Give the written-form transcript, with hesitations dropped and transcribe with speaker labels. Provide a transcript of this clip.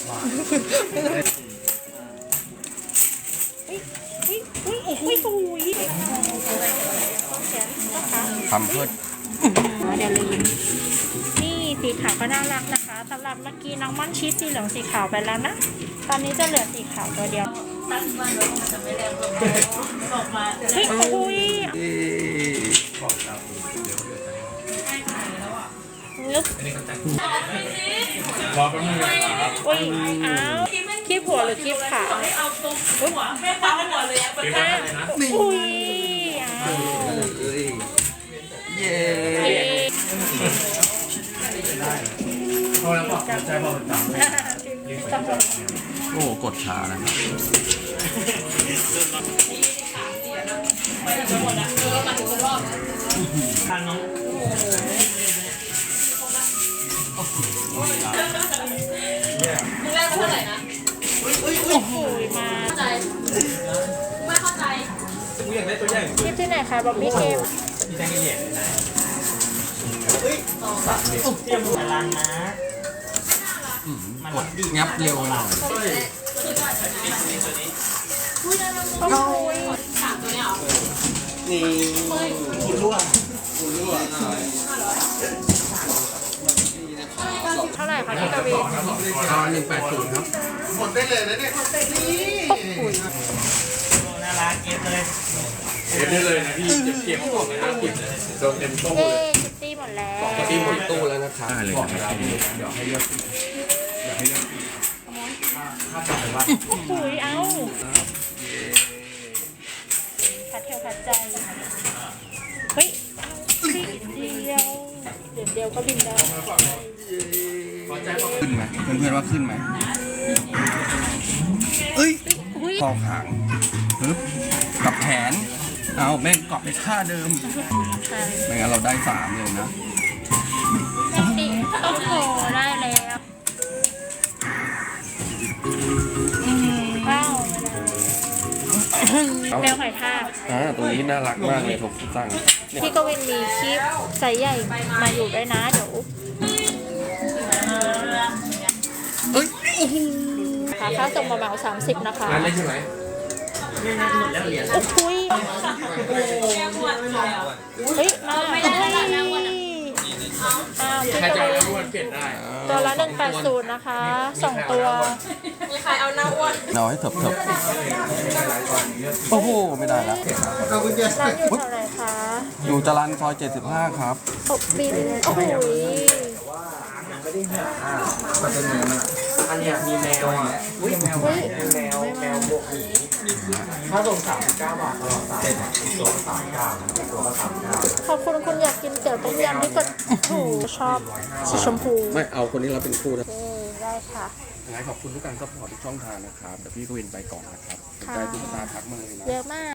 Speaker 1: ทำเพื่อ
Speaker 2: เดี๋ยวลืมนี่สีขาวก็น่ารักนะคะสำหรับเมื่อกี้น้องม่อนชีสสีเหลืองสีขาวไปแล้วนะตอนนี้จะเหลือสีขาวตัวเดียวตั้งบ้านแล้วมันจะไม่แรงออกมาเฮ้ยโอ้ยนึก
Speaker 3: รอแป๊บนึงนะครับ
Speaker 2: โอ้ยอ้าวคลิปหัวหรือคลิปขาหัวไม่ฟังหัวเลยอ่ะอุ้ยอ้าว
Speaker 1: เย้
Speaker 3: พอแล้วบอกใจพอจัง
Speaker 1: โอ้กดช้านะครับ
Speaker 3: ทางน้อง
Speaker 4: มึงแรกเท่าไหร่นะ
Speaker 2: โอ้โหมา
Speaker 4: เข้าใจไม่เข้าใจ
Speaker 3: มึงอยากได้ตัวใหญ่
Speaker 2: คลิปที่ไหนคะบ๊อบบี้เกม
Speaker 3: มีแทงกันเหยียดนะเฮ้ยเตรียมพลังนะ
Speaker 1: กดงับเร็วหน่อย
Speaker 2: โอ้ย
Speaker 4: สามตัวเนี้ยเหรอ
Speaker 3: นี่คุณรั่ว
Speaker 2: เท่าไหร่คะพี่กวี
Speaker 1: 180ครับ
Speaker 3: หมดได้เลยนะเนี่ย
Speaker 2: โอ้โห
Speaker 3: น่ารักเก็บเลยเก็บได้เลยนะพี่เก็บของเลยนะเก็บโดนเต็มตู้เลย
Speaker 2: คิตตี้หมดแล้ว
Speaker 1: คิตตี้หมดตู้แล้วนะครับได้เลยครับ
Speaker 3: เดี๋ยวให้เลือกถ้าจับไปว่า
Speaker 2: โอ้โหเอาพัดเที่ยวพัดใจเฮ้ยเดียวก็บินได้
Speaker 1: ขึ้นไหมเพื่อนๆว่าขึ้นไหมเอ้ยคอหางปึ๊บกับแขนเอาแม่งเกาะไปท่าเดิมไม่งั้นเราได้3เลยนะ
Speaker 2: โอ้โหได้แล้วว้าวแมวหอยทาก
Speaker 1: ตัวนี้น่ารักมากเลยผมสั่ง
Speaker 2: พี่กวินมีคลิปไซส์ใหญ่มาอยู่ด้วยนะเดี๋ยว
Speaker 1: เอ้ย
Speaker 2: ค่าส่งมาเหมา30นะคะ
Speaker 3: ร้านเล็กใช่ไหมหมดแล้วเหรียญ
Speaker 2: โอ้โหเฮ้ยมา
Speaker 3: ใครจะเอาอ้วนเปลี่ยนได้
Speaker 2: ตัวละ180นะคะ2ตัว
Speaker 4: มีใครเอาหน้าอ้วน
Speaker 1: เอาให้เถิบโอ้โหไม่ได้แล้ว
Speaker 2: ร้านอยู่แถวไหนคะ
Speaker 1: อยู่จรัญซอย75ครับ
Speaker 2: บินโอ้โห
Speaker 3: ไม่ได้หามันจะมีมันอันเนี้ยมีแมวอ่ะแมวบวกหีถ้าส่ง39 บาทตลอดสายตัว39ตัวละ39
Speaker 2: ขอบคุณคุณอยากกินเตี๋ยวต้มยำที่กดถูชอบสีชมพู
Speaker 1: ไม่เอาคนนี้เราเป็นคู่นะ
Speaker 2: ได้ค่ะ
Speaker 1: ขอบคุณทุกการซัพพอร์ตทุกช่องทางนะครับแต่พี่กวินไปก่อนนะครับได้ตุ๊กตาทักมาเลยนะ
Speaker 2: เยอะมาก